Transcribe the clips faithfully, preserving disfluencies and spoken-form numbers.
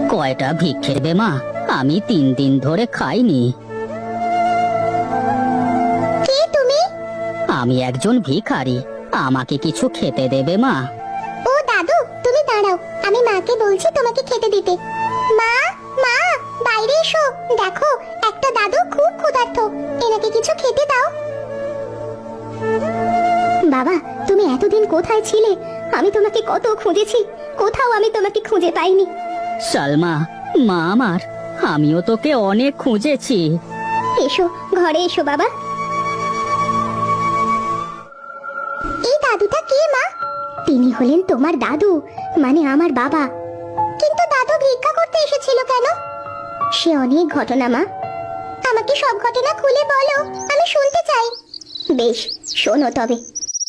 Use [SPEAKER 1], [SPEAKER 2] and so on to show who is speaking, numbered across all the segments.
[SPEAKER 1] কয়টা ভিক্ষে দেবে মা? আমি তিন দিন ধরে খাইনি।
[SPEAKER 2] কে তুমি?
[SPEAKER 1] আমি একজন ভিখারি, আমাকে কিছু খেতে দেবে মা?
[SPEAKER 2] ও দাদু, তুমি দাঁড়াও, আমি মাকে বলছি তোমাকে খেতে দিতে। মা, মা, বাইরে এসো। দেখো, একটা দাদু খুব ক্ষুধার্ত, এনাকে কিছু খেতে দাও। বাবা, তুমি এতদিন কোথায় ছিলে? আমি তোমাকে কত খুঁজেছি, কোথাও আমি তোমাকে খুঁজে পাইনি।
[SPEAKER 1] সালমা, মা আমার, আমিও তোকে অনেক খুঁজেছি।
[SPEAKER 2] এসো, ঘরে এসো বাবা। এই দাদুটা কে মা? তিনি হলেন তোমার দাদু, মানে আমার বাবা। কিন্তু দাদু ভিক্ষা করতে এসেছিল কেন? সে অনেক ঘটনা মা, আমাকে সব ঘটনা খুলে বলো, আমি শুনতে চাই। বেশ, শোনো তবে।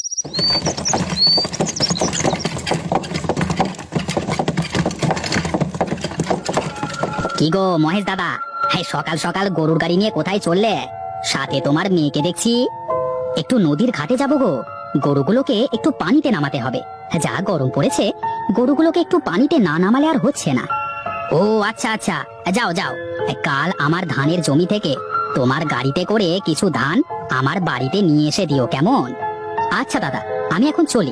[SPEAKER 1] কি গো মহেশ দাদা, হ্যাঁ সকাল সকাল গরুর গাড়ি নিয়ে কোথায় চললে? সাথে তোমার মেয়েকে দেখছি। একটু নদীর ঘাটে যাবো গো, গরুগুলোকে একটু পানিতে নামাতে হবে। যা গরম পড়েছে, গরুগুলোকে একটু পানিতে না নামালে আর হচ্ছে না। ও আচ্ছা আচ্ছা, যাও যাও। কাল আমার ধানের জমি থেকে তোমার গাড়িতে করে কিছু ধান আমার বাড়িতে নিয়ে এসে দিও, কেমন? আচ্ছা দাদা, আমি এখন চলি।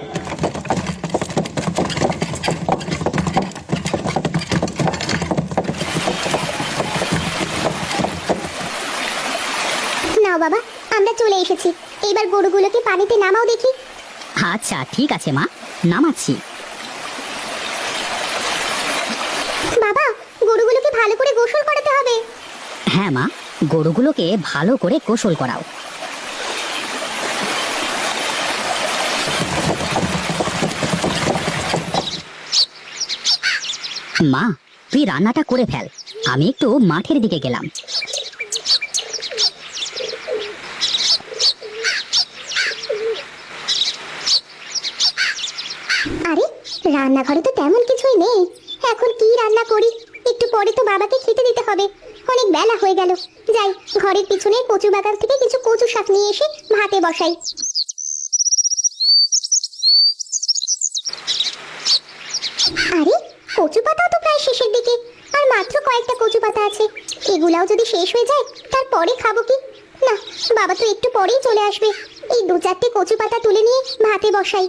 [SPEAKER 2] নাও বাবা, আমরা চলে এসেছি, এবার গরুগুলোকে পানিতে নামাও দেখি।
[SPEAKER 1] আচ্ছা ঠিক আছে মা, নামাচ্ছি।
[SPEAKER 2] বাবা, গরুগুলোকে ভালো করে গোসল করাতে হবে।
[SPEAKER 1] হ্যাঁ মা, গরুগুলোকে ভালো করে গোসল করাও। মা, তুই রান্নাটা করে ফেল, আমি একটু মাঠের দিকে গেলাম।
[SPEAKER 2] আরে, রান্নাঘরে তো তেমন কিছুই নেই, এখন কি রান্না করি? একটু পরে তো বাবাকে খেতে দিতে হবে, অনেক বেলা হয়ে গেল। যাই, ঘরের পিছনে কচু বাগান থেকে কিছু কচু শাক নিয়ে এসে ভাতে বসাই। আরে, কচু পাতাও তো প্রায় শেষের দিকে, আর মাত্র কয়েকটা কচু পাতা আছে। এগুলাও যদি শেষ হয়ে যায়, তারপরে খাবো কি? না, বাবা তো একটু পরেই চলে আসবে। এই দু চারটে কচু পাতা তুলে নিয়ে ভাতে বসাই।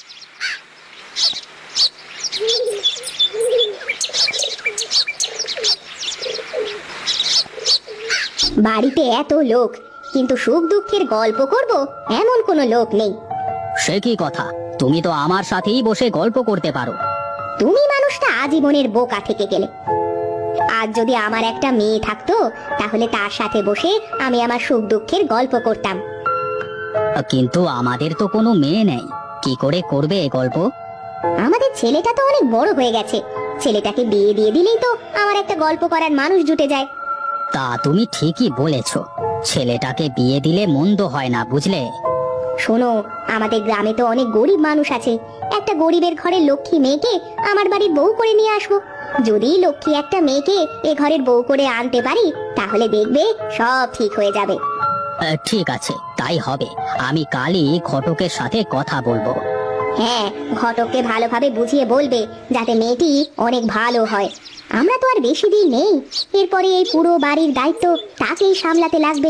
[SPEAKER 2] বাড়িতে এত লোক, কিন্তু সুখ দুঃখের গল্প করব এমন কোনো লোক নেই।
[SPEAKER 1] সে কি কথা? তুমি তো আমার সাথেই বসে গল্প করতে পারো।
[SPEAKER 2] তুমি মানুষটা আজীবনের বোকা থেকে গেলে। আজ যদি আমার একটা মেয়ে থাকতো, তাহলে তার সাথে বসে আমি আমার সুখ দুঃখের গল্প করতাম।
[SPEAKER 1] কিন্তু আমাদের তো কোনো মেয়ে নেই, কি করে করবে এ গল্প?
[SPEAKER 2] আমাদের ছেলেটা তো অনেক বড় হয়ে গেছে, ছেলেটাকে বিয়ে দিয়ে দিলেই তো আমার একটা গল্প করার মানুষ জুটে যায়।
[SPEAKER 1] তা তুমি ঠিকই বলেছ, ছেলেটাকে বিয়ে দিলে মন্দ হয় না, বুঝলে?
[SPEAKER 2] শোনো, আমাদের গ্রামে তো অনেক গরিব মানুষ আছে, একটা গরিবের ঘরের লক্ষ্মী মেয়েকে আমার বাড়ির বউ করে নিয়ে আসবো। যদি লক্ষ্মী একটা মেয়েকে এ ঘরের বউ করে আনতে পারি, তাহলে দেখবে সব ঠিক হয়ে যাবে।
[SPEAKER 1] আহ, ঠিক আছে, তাই হবে। আমি কালই ঘটকের সাথে কথা বলবো।
[SPEAKER 2] হ্যাঁ, ঘটককে ভালোভাবে বুঝিয়ে বলবে, যাতে মেয়েটি অনেক ভালো হয়। আমরা তো আর বেশি দিন নেই, এরপরে এই পুরো বাড়ির দায়িত্ব তাকেই সামলাতে লাগবে।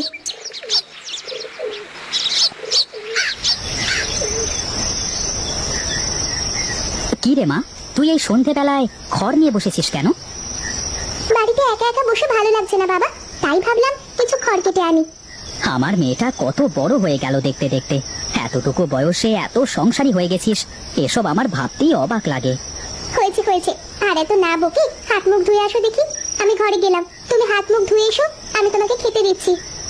[SPEAKER 1] কি রে মা, তুই এই সন্ধেবেলায় খড় নিয়ে বসেছিস কেন?
[SPEAKER 2] বাড়িতে একা একা বসে ভালো লাগছে না বাবা, তাই ভাবলাম কিছু খড় কেটে আনি।
[SPEAKER 1] আমার মেয়েটা কত বড় হয়ে গেল দেখতে দেখতে, এতটুকু বয়সে এত সংসারী হয়ে গেছিস, এসব আমার ভাবতেই অবাক লাগে।
[SPEAKER 2] হয়েছে হয়েছে, আর এত না বকে হাত মুখ ধুয়ে আসো দেখি। আমি ঘরে গেলাম, তুমি হাত মুখ ধুয়ে এসো, আমি তোমাকে খেতে দিচ্ছি।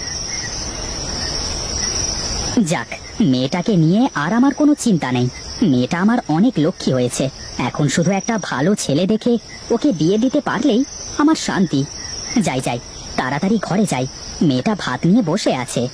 [SPEAKER 1] যাক, মেয়েটাকে নিয়ে আর আমার কোনো চিন্তা নেই। মেয়েটা আমার অনেক লক্ষ্মী হয়েছে, এখন শুধু একটা ভালো ছেলে দেখে ওকে বিয়ে দিতে পারলেই আমার শান্তি। যাই যাই, তাড়াতাড়ি ঘরে যাই, মেয়েটা ভাত নিয়ে বসে আছে।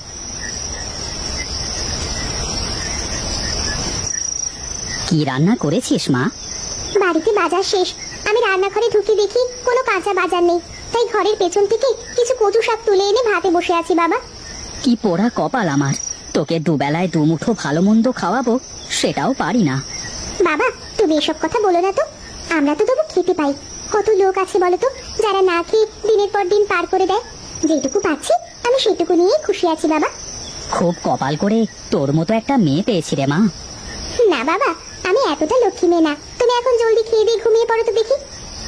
[SPEAKER 1] কি রান্না করেছিস মা?
[SPEAKER 2] বাড়িতে বাজার শেষ, আমি রান্নাঘরে ঢুকে দেখি কোনো কাঁচা বাজার নেই, তাই ঘরের পেছন থেকে কিছু কচু শাক তুলে এনে ভাতে বসে আছি। বাবা,
[SPEAKER 1] কি পোড়া কপাল আমার, তোকে দুবেলায় দুমুঠো ভালো মন্দ খাওয়াবো, সেটাও পারি না।
[SPEAKER 2] বাবা, তুমি এসব কথা বলো না তো, আমরা তো তবু খেতে পাই। কত লোক আছে বলো তো, যারা না খেয়ে দিনের পর দিন পার করে দেয়। যেটুকু পাচ্ছি আমি সেটুকু নিয়েই খুশি আছি বাবা।
[SPEAKER 1] খুব কপাল করে তোর মতো একটা মেয়ে পেয়েছি রে মা।
[SPEAKER 2] না বাবা, আমি এতটা লক্ষ্মী মেয়ে না। তুমি এখন জলদি খেয়ে দিয়ে ঘুমিয়ে পড়ো তো দেখি।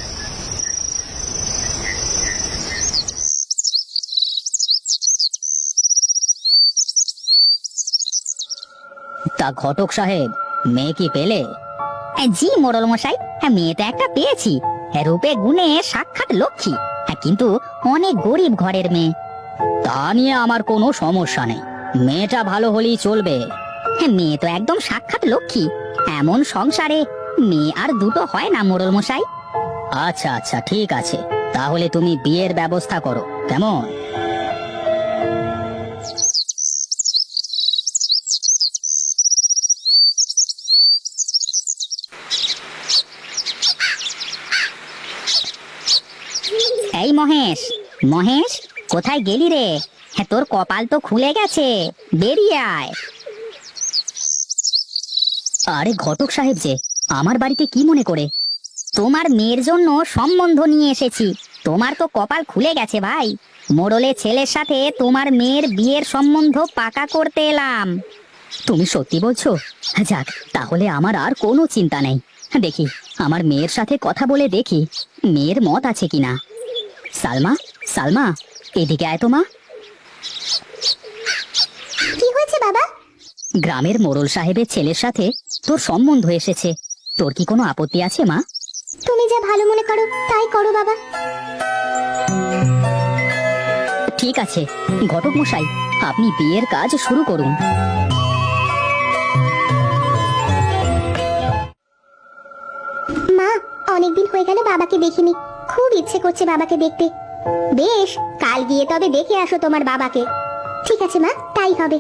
[SPEAKER 1] তা ঘটক সাহেব, মেয়ে কি পেলে? জি মোড়ল মশাই, হ্যাঁ মেয়ে তো একটা পেয়েছি। হ্যাঁ, রূপে গুণে সাক্ষাৎ লক্ষ্মী, হ্যাঁ কিন্তু অনেক গরিব ঘরের মেয়ে। তা নিয়ে আমার কোনো সমস্যা নেই, মেয়েটা ভালো হলেই চলবে। হ্যাঁ, মেয়ে তো একদম সাক্ষাৎ লক্ষ্মী। এমন সংসারে মেয়ে আর দুটো হয় না মোড়ল মশাই। আচ্ছা আচ্ছা ঠিক আছে, তাহলে তুমি বিয়ের ব্যবস্থা করো কেমন? এই মহেশ, মহেশ কোথায় গেলি রে? হ্যাঁ, তোর কপাল তো খুলে গেছে, বেরিয়ে আয়। আরে ঘটক সাহেব যে, আমার বাড়িতে কি মনে করে? তোমার মেয়ের জন্য সম্বন্ধ নিয়ে এসেছি। তোমার তো কপাল খুলে গেছে ভাই, মোড়লের ছেলের সাথে তোমার মেয়ের বিয়ের সম্বন্ধ পাকা করতে এলাম। তুমি সত্যি বলছো? যাক, তাহলে আমার আর কোনো চিন্তা নেই। দেখি আমার মেয়ের সাথে কথা বলে দেখি মেয়ের মত আছে কিনা। সালমা, সালমা এদিকে আয় তো মা।
[SPEAKER 2] কি হয়েছে বাবা?
[SPEAKER 1] গ্রামের মোড়ল সাহেবের ছেলের সাথে তোর সম্বন্ধ এসেছে, তোর কি কোনো আপত্তি আছে মা?
[SPEAKER 2] তুমি যা ভালো মনে করো তাই করো বাবা।
[SPEAKER 1] ঠিক আছে ঘটক মশাই, আপনি বিয়ের কাজ শুরু করুন।
[SPEAKER 2] মা, অনেকদিন হয়ে গেল বাবাকে দেখিনি, খুব ইচ্ছে করছে বাবাকে দেখতে। বেশ, কাল গিয়ে তবে দেখে আসো তোমার বাবাকে। ঠিক আছে মা, তাই হবে।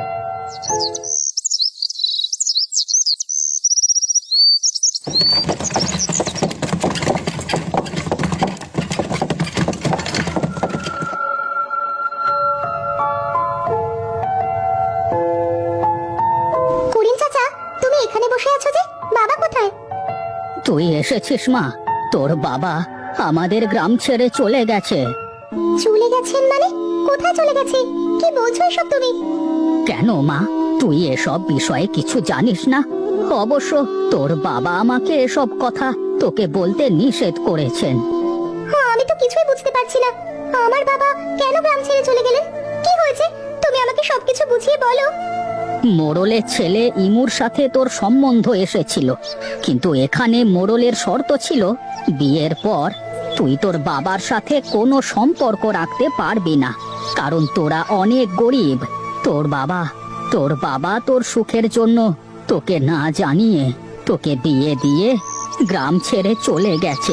[SPEAKER 2] করিম চাচা, তুমি এখানে বসে আছো যে, বাবা কোথায়?
[SPEAKER 1] তুই এসেছিস মা? তোর বাবা আমাদের গ্রাম ছেড়ে চলে গেছে।
[SPEAKER 2] চলে গেছেন মানে? কোথায় চলে গেছে? কি বলছো এসব তুমি?
[SPEAKER 1] কেন মা, তুই এসব বিষয়ে কিছু জানিস না? অবশ্য তোর বাবা আমাকে এসব কথা তোকে বলতে নিষেধ করেছেন।
[SPEAKER 2] হ্যাঁ, আমি তো কিছুই বুঝতে পারছি না। আমার বাবা কেন গ্রাম ছেড়ে চলে গেলেন? কি হয়েছে? তুমি আমাকে সবকিছু বুঝিয়ে বলো।
[SPEAKER 1] মোড়লের ছেলে ইমুর সাথে তোর সম্বন্ধ এসেছিল, কিন্তু এখানে মোড়লের শর্ত ছিল বিয়ের পর তুই তোর বাবার সাথে কোনো সম্পর্ক রাখতে পারবি না, কারণ তোরা অনেক গরিব। তোর বাবা তোর বাবা তোর সুখের জন্য তোকে না জানিয়ে তোকে বিয়ে দিয়ে গ্রাম ছেড়ে চলে গেছে।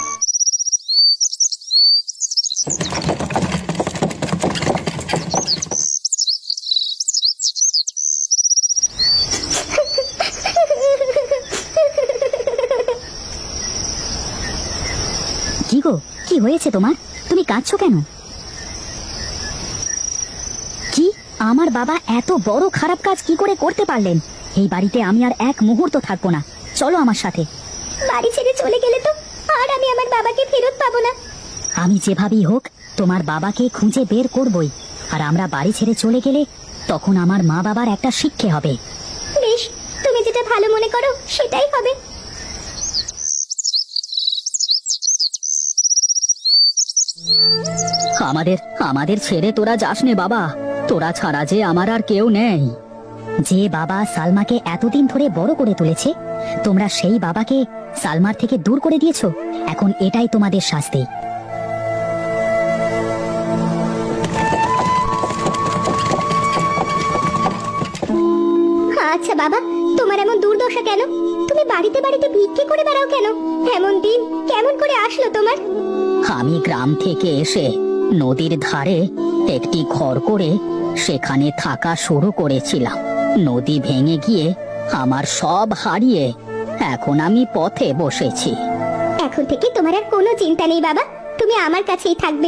[SPEAKER 1] কি গো, কি হয়েছে তোমার? তুমি কাঁদছো কেন? কি, আমার বাবা এত বড় খারাপ কাজ কি করে করতে পারলেন? এই বাড়িতে আমি আর এক মুহূর্ত থাকবো না, চলো আমার সাথে।
[SPEAKER 2] বাড়ি ছেড়ে চলে গেলে তো আর আমি আমার বাবাকে ফেরত পাবো না।
[SPEAKER 1] আমি যেভাবেই হোক তোমার বাবাকে খুঁজে বের করবই, আর আমরা বাড়ি ছেড়ে চলে গেলে তখন আমার মা বাবার একটা শিক্ষে হবে।
[SPEAKER 2] বেশ, তুমি যেটা ভালো মনে করো সেটাই হবে।
[SPEAKER 1] আমাদের আমাদের ছেড়ে তোরা যাস নে বাবা, তোরা ছাড়া যে আমার আর কেউ নেই। যে বাবা সালমাকে এতদিন ধরে বড় করে তুলেছে, তোমরা সেই বাবাকে সালমার থেকে দূর করে দিয়েছো। এখন এটাই তোমাদের শাস্তি।
[SPEAKER 2] আচ্ছা বাবা, তোমার এমন দুর্দশা কেন? তুমি বাড়িতে বাড়িতে ভিক্ষে করে বেড়াও কেন? এমন দিন কেমন করে আসলো তোমার?
[SPEAKER 1] আমি গ্রাম থেকে এসে নদীর ধারে একটি ঘর করে সেখানে থাকা শুরু করেছিলাম। নদী ভেঙে গিয়ে আমার সব হারিয়ে এখন আমি পথে বসেছি।
[SPEAKER 2] এখন থেকে তোমার আর কোনো চিন্তা নেই বাবা, তুমি আমার কাছেই থাকবে।